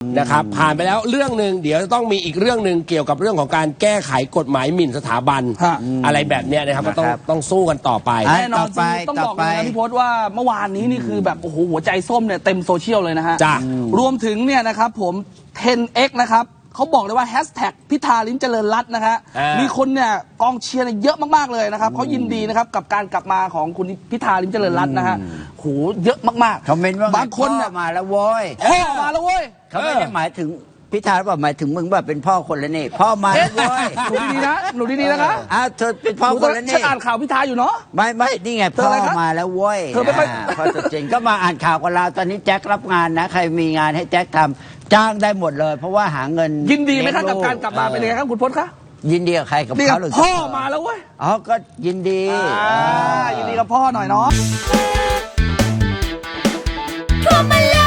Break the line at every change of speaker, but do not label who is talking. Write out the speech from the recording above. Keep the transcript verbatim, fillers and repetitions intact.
นะครับผ่านไปแล้วเรื่องหนึ่งเดี๋ยวจะต้องมีอีกเรื่องหนึ่งเกี่ยวกับเรื่องของการแก้ไขกฎหมายหมิ่นสถาบันอะไรแบบเนี้ยนะครับก็ต้องต้องสู้กันต่อไป
แน่นอนจริงต้องบอกเลยนะพี่พศว่าเมื่อวานนี้นี่คือแบบโอ้โหหัวใจส้มเนี่ยเต็มโซเชียลเลยนะฮะรวมถึงเนี่ยนะครับผม เทน เอ็กซ์ นะครับเขาบอกเลยว่าแฮชแท็กพิธาลิ้มเจริญรัตน์นะฮะมีคนเนี่ยกองเชียร์เยอะมากๆเลยนะครับเขายินดีนะครับกับการกลับมาของคุณพิธาลิ้มเจริญรัตน์นะฮะโหเยอะมาก
ๆคอมเมนต์ว่า
บางคนเนี่ย
มาแล้วโว้ย
พ่อมาแล้วเว้ย
เขาไม่ได้หมายถึงพิธาบอกหมายถึงมึงแบบเป็นพ่อคนละนี่พ่อมาแล้วเว้ย
หนูดีๆนะหนูดีๆนะคะ
อ้าวเธอเป็นพ่อคนละนี่
ฉันอ่านข่าวพิธาอยู่เนาะ
ไม่ไม่นี่ไงพ่อมาแล้วเว้ย
เธอไม่ค่อย
พอตัวจริงก็มาอ่านข่าวกับเราตอนนี้แจ็ครับงานนะใครมีงานให้แจ็คทำจ้างได้หมดเลยเพราะว่าหาเงิน
ยินดีไหมครับกับการกลับมาเป็นยังไงครับคุณพจน์ครับ
ยินดีกับใครกับเขาหรือ
พ่อมาแล้วเว้ย
อ๋อก็ยินดี
ยินดีกับพ่อหน่อยเนาะ